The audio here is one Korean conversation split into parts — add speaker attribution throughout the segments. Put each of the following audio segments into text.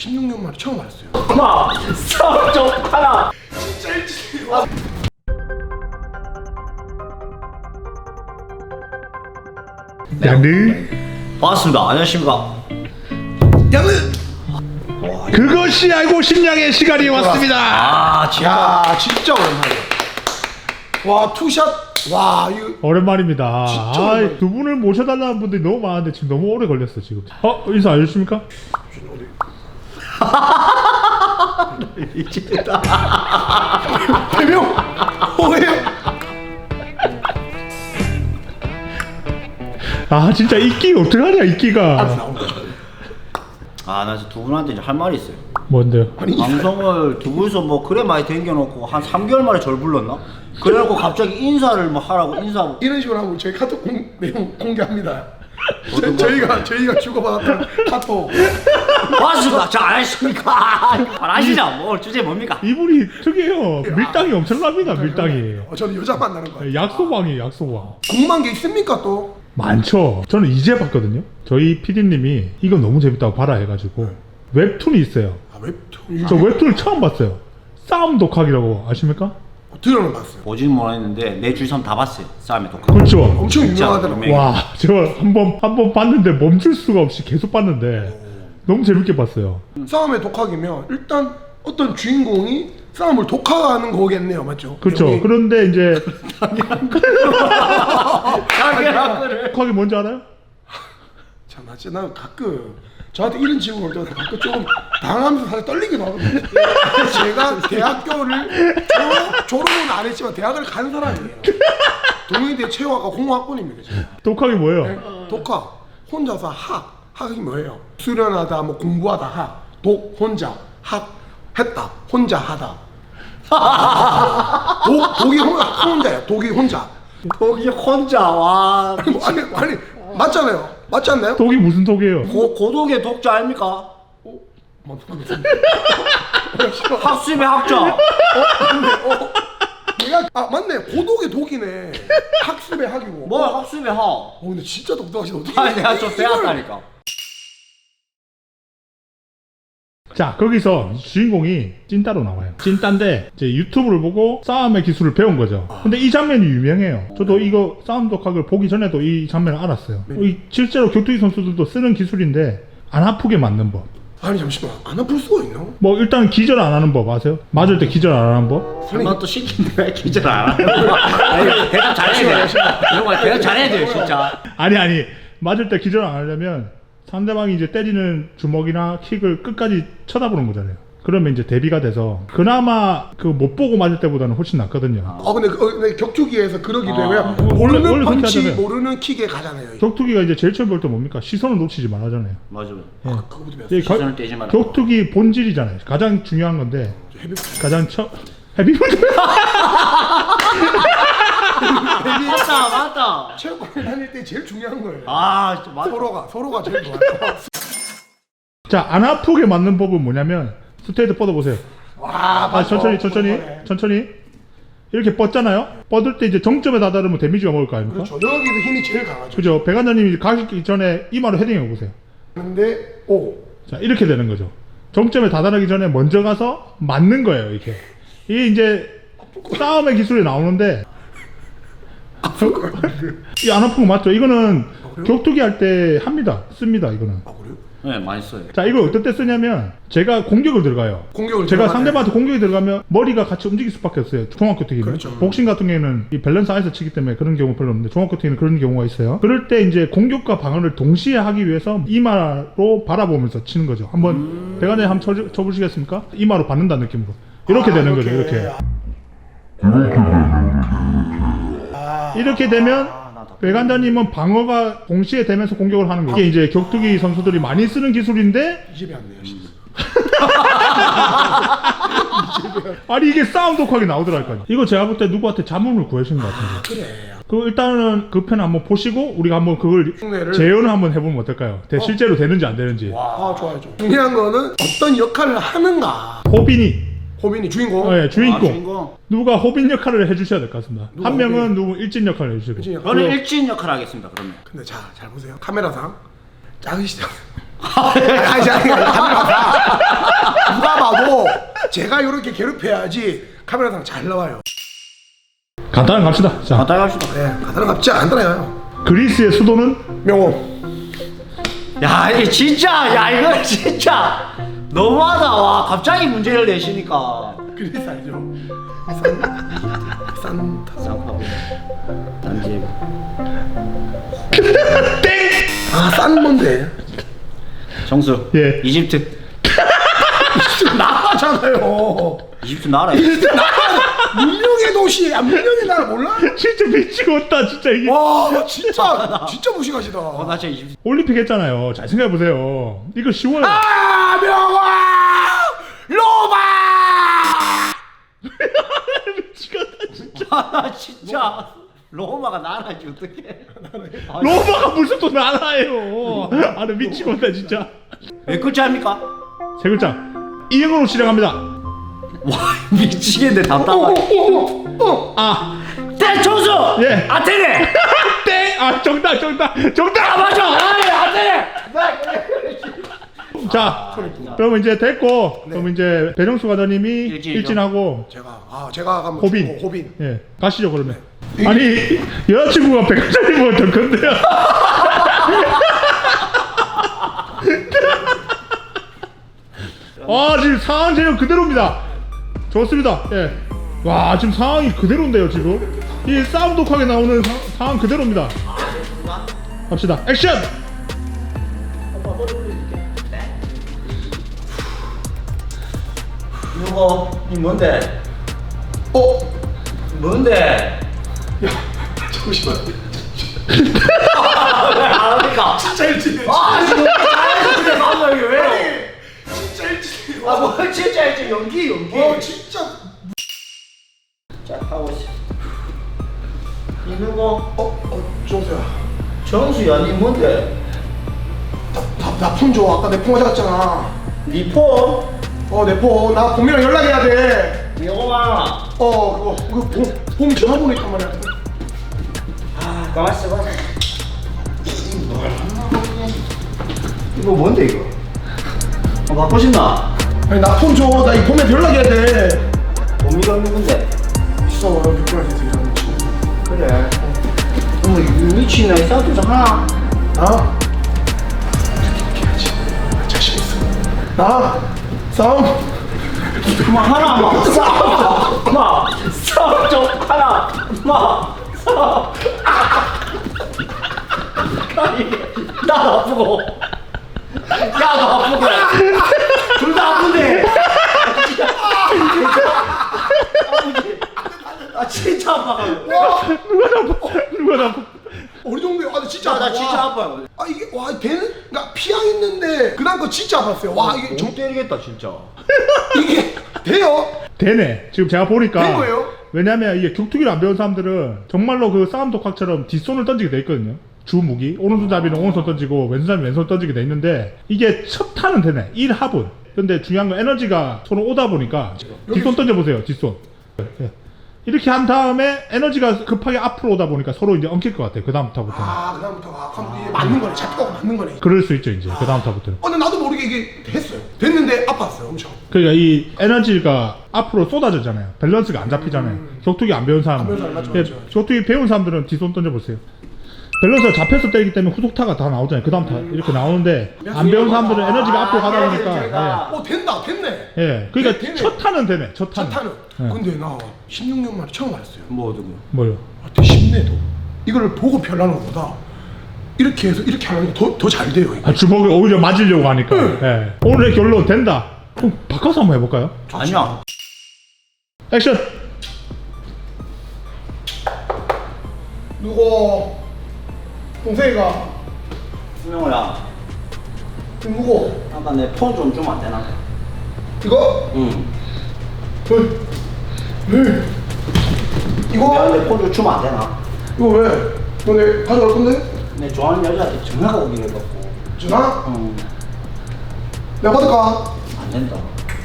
Speaker 1: 16년 만에 처음 알았어요.
Speaker 2: 하나, 좀 하나.
Speaker 1: 진짜 일찍.
Speaker 3: 양들
Speaker 2: 반갑습니다. 안녕하십니까.
Speaker 1: 양은.
Speaker 3: 그것이 알고 싶냐의 시간이 왔습니다.
Speaker 2: 아,
Speaker 1: 야 진짜 오랜만에. 와 투샷. 와 이거.
Speaker 3: 오랜만입니다.
Speaker 1: 진짜
Speaker 3: 아,
Speaker 1: 오랜만이다.
Speaker 3: 두 분을 모셔달라는 분들이 너무 많은데 지금 너무 오래 걸렸어 지금. 인사 안 해주십니까?
Speaker 2: 미치겠다.
Speaker 1: 대명. 뭐예요?
Speaker 3: 아 진짜 이끼 어떡하냐 이끼가.
Speaker 1: 나온다.
Speaker 2: 아, 나 두 분한테 이제 할 말이 있어요.
Speaker 3: 뭔데요?
Speaker 1: 아니
Speaker 2: 방송을 두 분이서 뭐 그래 많이 댕겨놓고 한 3개월 만에 절 불렀나? 그래갖고 갑자기 인사를 뭐 하라고 인사.
Speaker 1: 이런 식으로 하면 저희 카톡 내용 공개합니다. 저희가 주고받았던 카톡.
Speaker 2: 맞습니다. 저 안 하십니까? 말하시죠. 뭐 주제 뭡니까?
Speaker 3: 이분이 특이해요. 밀당이 엄청납니다. 밀당이.
Speaker 1: 저는 여자 만나는 거.
Speaker 3: 약소왕이에요 약소왕.
Speaker 1: 궁금한 게 있습니까 또?
Speaker 3: 많죠. 저는 이제 봤거든요. 저희 PD님이 이거 너무 재밌다고 봐라 해가지고 웹툰이 있어요.
Speaker 1: 아 웹툰.
Speaker 3: 저 웹툰을 처음 봤어요. 싸움 독학이라고 아십니까?
Speaker 1: 들어는 봤어요.
Speaker 2: 보진 못했는데 내 주위 사람 다 봤어요. 싸움의 독학.
Speaker 3: 그렇죠.
Speaker 1: 엄청
Speaker 2: 진짜
Speaker 1: 유명하더라고.
Speaker 2: 유명해.
Speaker 3: 와, 저 한 번 봤는데 멈출 수가 없이 계속 봤는데 너무 재밌게 봤어요.
Speaker 1: 싸움의 독학이면 일단 어떤 주인공이 싸움을 독학하는 거겠네요, 맞죠?
Speaker 3: 그렇죠.
Speaker 1: 여기
Speaker 3: 그런데 이제
Speaker 2: 자기를
Speaker 3: 독학이 뭔지 알아요?
Speaker 1: 참, 나 가끔 저한테 이런 질문 올 때 가끔 조금 당하면서 사실 떨리기도 하거든요. 제가 대학교를 졸업은 안 했지만 대학을 간 사람이에요. 동의대 체육학과 공학번입니다. 제가.
Speaker 3: 독학이 뭐예요?
Speaker 1: 네? 독학 혼자서 학이 뭐예요? 수련하다 뭐 공부하다 독 혼자 학 했다 혼자 하다 독이 혼자야 독이 혼자.
Speaker 2: 거기 혼자 와.
Speaker 1: 아니 맞잖아요. 맞지 않나요?
Speaker 3: 독이 무슨 독이에요?
Speaker 2: 고독의 독자 아닙니까?
Speaker 1: 맞습니다.
Speaker 2: 학습의 학자.
Speaker 1: 내가 맞네 고독의 독이네. 학습의 학이고.
Speaker 2: 뭐 학습의 학.
Speaker 1: 근데 진짜 독특하시다. 어떻게?
Speaker 2: 아니 내가 좀 배웠다니까.
Speaker 3: 자, 거기서 주인공이 찐따로 나와요. 찐따인데 이제 유튜브를 보고 싸움의 기술을 배운 거죠. 근데 이 장면이 유명해요. 저도 이거 싸움 독학을 보기 전에도 이 장면을 알았어요. 이 실제로 격투기 선수들도 쓰는 기술인데 안 아프게 맞는 법.
Speaker 1: 아니 잠시만 안 아플 수가 있나?
Speaker 3: 뭐 일단 기절 안 하는 법 아세요? 맞을 때 기절 안 하는 법?
Speaker 2: 설마 또 시킨데 왜 기절 안 하는 거야? 아니 대답 잘해야 돼. 이런 거 대답 잘해야 돼요 진짜.
Speaker 3: 아니 맞을 때 기절 안 하려면 상대방이 이제 때리는 주먹이나 킥을 끝까지 쳐다보는 거잖아요. 그러면 이제 대비가 돼서 그나마 그 못 보고 맞을 때보다는 훨씬 낫거든요.
Speaker 1: 근데 격투기에서 그러기도 해요. 왜냐면
Speaker 3: 원래
Speaker 1: 모르는
Speaker 3: 그렇게
Speaker 1: 펀치
Speaker 3: 하잖아요.
Speaker 1: 모르는 킥에 가잖아요.
Speaker 3: 격투기가 이제 제일 처음 배울 때 뭡니까? 시선을 놓치지 말아잖아요.
Speaker 2: 맞아요.
Speaker 1: 그거부터 배웠어요.
Speaker 3: 이
Speaker 2: 시선을 떼지 마라.
Speaker 3: 격투기 본질이잖아요. 가장 중요한 건데
Speaker 1: 헤비
Speaker 3: 가장 헤비볼드
Speaker 2: 맞다.
Speaker 1: 체육관 다닐 때 제일 중요한 거예요.
Speaker 2: 아 진짜 맞다.
Speaker 1: 서로가 제일 좋아요.
Speaker 3: 자, 안 아프게 맞는 법은 뭐냐면 스트레이트 뻗어보세요.
Speaker 1: 와,
Speaker 3: 천천히 이렇게 뻗잖아요. 뻗을 때 이제 정점에 다다르면 데미지가 먹을 거 아닙니까?
Speaker 1: 그렇죠. 여기도 힘이 제일 강하죠.
Speaker 3: 그죠? 백안자님이 가기 전에 이마로 헤딩해 보세요.
Speaker 1: 근데
Speaker 3: 자, 이렇게 되는 거죠. 정점에 다다르기 전에 먼저 가서 맞는 거예요, 이렇게. 이게 이제 싸움의 기술이 나오는데 이 안 아픈 거 맞죠? 이거는 격투기 할 때 씁니다, 이거는.
Speaker 1: 아 그래요?
Speaker 2: 네 많이 써요.
Speaker 3: 자, 이걸 어떨 때 쓰냐면 제가 공격을 들어가요.
Speaker 1: 공격을
Speaker 3: 제가
Speaker 1: 들어가네.
Speaker 3: 상대방한테 공격이 들어가면 머리가 같이 움직일 수밖에 없어요. 종합격투기는.
Speaker 1: 그렇죠.
Speaker 3: 복싱 같은 경우에는 이 밸런스 안에서 치기 때문에 그런 경우 별로 없는데 종합격투기는 그런 경우가 있어요. 그럴 때 이제 공격과 방어를 동시에 하기 위해서 이마로 바라보면서 치는 거죠. 한번 백안에 한번 쳐보시겠습니까? 이마로 받는다는 느낌으로. 이렇게 되는 거죠. 이렇게 되면 백안자님은 방어가 동시에 되면서 공격을 하는 거예요. 이게 이제 격투기 선수들이 많이 쓰는 기술인데
Speaker 1: 이 집에 안 돼요. 진짜.
Speaker 3: 아니 이게 싸움 독학이 나오더라니까요. 이거 제가 볼 때 누구한테 자문을 구하신 것 같은데.
Speaker 1: 그래.
Speaker 3: 그 일단은 그 편 한번 보시고 우리가 한번 그걸
Speaker 1: 흉내를.
Speaker 3: 재현을 한번 해보면 어떨까요? 실제로 되는지 안 되는지.
Speaker 1: 아 좋아요. 중요한 거는 어떤 역할을 하는가.
Speaker 3: 호빈이
Speaker 1: 주인공.
Speaker 3: 네, 주인공.
Speaker 2: 주인공.
Speaker 3: 누가 호빈 역할을 해주셔야 될 것 같습니다.
Speaker 1: 누가
Speaker 3: 한 명은
Speaker 1: 호빈?
Speaker 3: 누구 일진 역할을 해주시고.
Speaker 1: 일진 역할.
Speaker 2: 저는 일진 역할 하겠습니다. 그러면.
Speaker 1: 근데 잘 보세요. 카메라상 작으시죠? 아니 카메라 봐. 누가 봐도 제가 이렇게 괴롭혀야지 카메라상 잘 나와요.
Speaker 3: 간단하게 갑시다. 자,
Speaker 2: 간단히 합시다.
Speaker 1: 네, 가다는 갑지 않더라요.
Speaker 3: 그리스의 수도는
Speaker 1: 명호.
Speaker 2: 야, 이 진짜, 야, 이거 진짜 너무하다. 와, 갑자기 문제를 내시니까.
Speaker 1: 그리스 알죠? 산타.
Speaker 2: 쌍파고. 단지.
Speaker 3: 땡.
Speaker 1: 싼 뭔데?
Speaker 2: 정수.
Speaker 3: 예.
Speaker 2: 이집트.
Speaker 1: 나라잖아요.
Speaker 2: 이집트 나라.
Speaker 1: 문명의 도시, 문명의 나라 몰라?
Speaker 3: 진짜 미치겠다 진짜 이게.
Speaker 1: 와, 진짜 무식하시다.
Speaker 2: 나 진짜 이집트.
Speaker 3: 올림픽 했잖아요. 잘 생각해 보세요. 이거 쉬워요.
Speaker 1: 아, 명화, 로마.
Speaker 3: 미치겠다 진짜.
Speaker 2: 나 진짜. 로마가 나라지, 어떡해.
Speaker 3: 로마가 무슨 또 나라예요. 아, 나 미치겠다 진짜.
Speaker 2: 몇 글자입니까?
Speaker 3: 세 글자. 이응으로 시작합니다.
Speaker 2: 와, 미치겠네, 답답하게.
Speaker 3: 아,
Speaker 2: 정수!
Speaker 3: 예.
Speaker 2: 아테네!
Speaker 3: 땡. 아, 정답.
Speaker 2: 아, 맞아! 아이, 아테네!
Speaker 3: 자, 그러면 이제 됐고, 그럼 이제 배정수 과장님이
Speaker 2: 일진이죠.
Speaker 3: 일진하고
Speaker 1: 제가 가면
Speaker 3: 호빈.
Speaker 1: 호빈.
Speaker 3: 예, 가시죠 그러면. 아니 여자친구가 백화점이면 더 큰데요. 아 지금 상황 제일 그대로입니다. 좋습니다. 예. 와 지금 상황이 그대로인데요 지금. 이 싸움 독하게 나오는 상황 그대로입니다. 갑시다. 액션.
Speaker 2: 누구? 니 뭔데?
Speaker 1: 어?
Speaker 2: 뭔데?
Speaker 1: 잠시만.
Speaker 2: 안 합니까?
Speaker 1: 진짜 일진이에요.
Speaker 2: 아, 지금 잘했는데 맞아, 이게 왜요?
Speaker 1: 진짜 일진이에요.
Speaker 2: 아, 뭐 진짜 이제 연기.
Speaker 1: 진짜.
Speaker 2: 자, 하고 있어. 이 누구?
Speaker 1: 정수야.
Speaker 2: 정수야, 니 뭔데?
Speaker 1: 나 폰 줘. 아까 내 폰 가져갔잖아.
Speaker 2: 니 폰?
Speaker 1: 내 폰. 나 봄이랑 연락해야 돼.
Speaker 2: 여보마.
Speaker 1: 그거 봄 전화번호 있단 말이야.
Speaker 2: 아, 가만있어 봐. 이거 뭔데 이거? 갖고 싶나?
Speaker 1: 아니 나 폰 줘. 나 이 봄에 연락해야 돼.
Speaker 2: 봄이가 누군데?
Speaker 1: 있어. 백구라에서 일하는 친구.
Speaker 2: 그래. 어머, 미친나 이 싸움 좀 하나?
Speaker 1: 나? 자신 있어. 나? 싸움?
Speaker 2: 그만 하나, 마. 싸움. 마. 싸움 좀 하나. 마. 싸움. 아니, 나도 아프고. 야도 아프고. 둘 다 아픈데. 아, 진짜 아파.
Speaker 3: 누가 나
Speaker 1: 어느 정도야? 나 진짜
Speaker 2: 나
Speaker 1: 아파.
Speaker 2: 진짜 아파요.
Speaker 1: 이게 되는? 그러니까 피양 있는데 그다음 거 진짜 아팠어요. 와 이게
Speaker 2: 정 때리겠다 진짜.
Speaker 1: 이게 돼요?
Speaker 3: 되네. 지금 제가 보니까.
Speaker 1: 된 거예요?
Speaker 3: 왜냐면 이게 격투기를 안 배운 사람들은 정말로 그 싸움 독학처럼 뒷손을 던지게 돼 있거든요. 주 무기 오른손잡이는 오른손 던지고 왼손잡이 왼손 던지게 돼 있는데 이게 첫 타는 되네. 1합은. 근데 중요한 건 에너지가 손으로 오다 보니까 뒷손 던져보세요. 뒷손. 예. 이렇게 한 다음에 에너지가 급하게 앞으로 오다 보니까 서로 이제 엉킬 것 같아요. 그 다음부터는.
Speaker 1: 그다음부터 그럼 이게 맞는 거네. 잡히고 맞는 거네.
Speaker 3: 그럴 수 있죠 이제. 그 다음부터는.
Speaker 1: 근데 나도 모르게 이게 됐어요. 됐는데 아팠어요. 엄청.
Speaker 3: 그러니까 이 에너지가 앞으로 쏟아지잖아요. 밸런스가 안 잡히잖아요. 격투기 안 배운 사람.
Speaker 1: 안 배운 사람, 맞죠,
Speaker 3: 예,
Speaker 1: 맞죠.
Speaker 3: 격투기 배운 사람들은 뒷손 던져보세요. 밸런스가 잡혀서 때리기 때문에 후속타가 다 나오잖아요. 그 다음 타 이렇게 나오는데 안 배운 사람들은 에너지가 앞으로 가다 보니까
Speaker 1: 됐네.
Speaker 3: 예. 그러니까
Speaker 1: 되네.
Speaker 3: 첫 타는 되네. 첫
Speaker 1: 첫
Speaker 3: 타는.
Speaker 1: 타는.
Speaker 3: 예.
Speaker 1: 근데 나 16년 만에 처음 알았어요.
Speaker 2: 뭐 어떤 거?
Speaker 3: 뭐요?
Speaker 1: 되게 쉽네도. 이거를 보고 별나는 것보다 이렇게 해서 이렇게 하는 게 더 잘 돼요. 이거.
Speaker 3: 아, 주먹을 오히려 맞으려고 하니까. 예. 오늘의 결론 된다. 그럼 바꿔서 한번 해볼까요?
Speaker 2: 아니야.
Speaker 3: 액션.
Speaker 1: 누구? 동생이가
Speaker 2: 수명호야.
Speaker 1: 누구?
Speaker 2: 아까 내 폰 좀 주면 안 되나?
Speaker 1: 이거?
Speaker 2: 응.
Speaker 1: 왜? 이거?
Speaker 2: 내가 내 폰 좀 주면 안 되나?
Speaker 1: 이거 왜? 너네 가져갈 건데?
Speaker 2: 내 좋아하는 여자한테 전화가 오기로 해갖고.
Speaker 1: 전화?
Speaker 2: 응.
Speaker 1: 내가 받을까?
Speaker 2: 안 된다.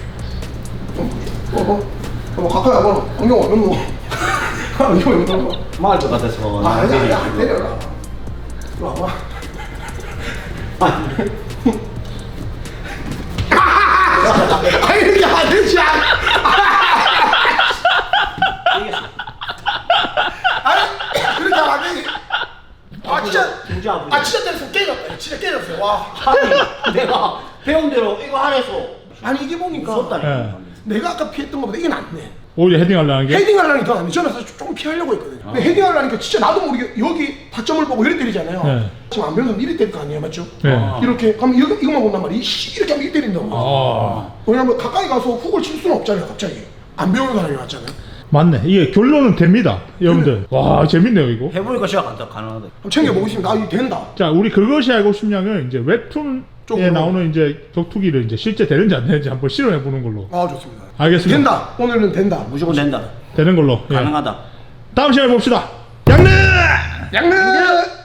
Speaker 1: 가까이 와봐. 안경 안 넣어. 안경 안 넣어.
Speaker 2: 말할 것 같아서.
Speaker 1: 아니야, 안 때려라. 이리 와봐.
Speaker 2: 진짜 아프지.
Speaker 1: 아 진짜 때렸으면 깨졌다. 진짜 깨졌어요. 와.
Speaker 2: 아니 내가 배운 대로 이거 하래서
Speaker 1: 아니 이게 보니까
Speaker 2: 무섭다니까.
Speaker 3: 예.
Speaker 1: 내가 아까 피했던 것보다 이게 낫네.
Speaker 3: 오히려 헤딩하려는 게.
Speaker 1: 헤딩하려니 더 낫네. 저는 사실 조금 피하려고 했거든요. 근데 헤딩하려니까 진짜 나도 모르게 여기 타점을 보고 이렇게 때리잖아요.
Speaker 3: 네.
Speaker 1: 지금 안 배운 사람 이렇게 때릴 거 아니에요, 맞죠?
Speaker 3: 네.
Speaker 1: 이렇게 그럼 이거만 본단 말이야. 이렇게 하면 이렇게 때린다고.
Speaker 3: 아,
Speaker 1: 왜냐면 가까이 가서 훅을 칠 수는 없잖아요, 갑자기. 안 배우는 사람이 왔잖아요.
Speaker 3: 맞네. 이게 결론은 됩니다, 여러분들. 와, 재밌네요 이거.
Speaker 2: 해보니까 진짜 가능하다.
Speaker 1: 한번 챙겨보겠습니다. 아, 이거 된다.
Speaker 3: 자, 우리 그것이 알고 싶냐면 이제 웹툰에
Speaker 1: 쪽으로.
Speaker 3: 나오는 이제 격투기를 이제 실제 되는지 안 되는지 한번 실험해 보는 걸로.
Speaker 1: 아, 좋습니다.
Speaker 3: 알겠습니다.
Speaker 1: 된다. 오늘은 된다.
Speaker 2: 무조건 된다.
Speaker 3: 되는 걸로. 예.
Speaker 2: 가능하다.
Speaker 3: 다음 시간에 봅시다. 양릉!
Speaker 1: 양릉!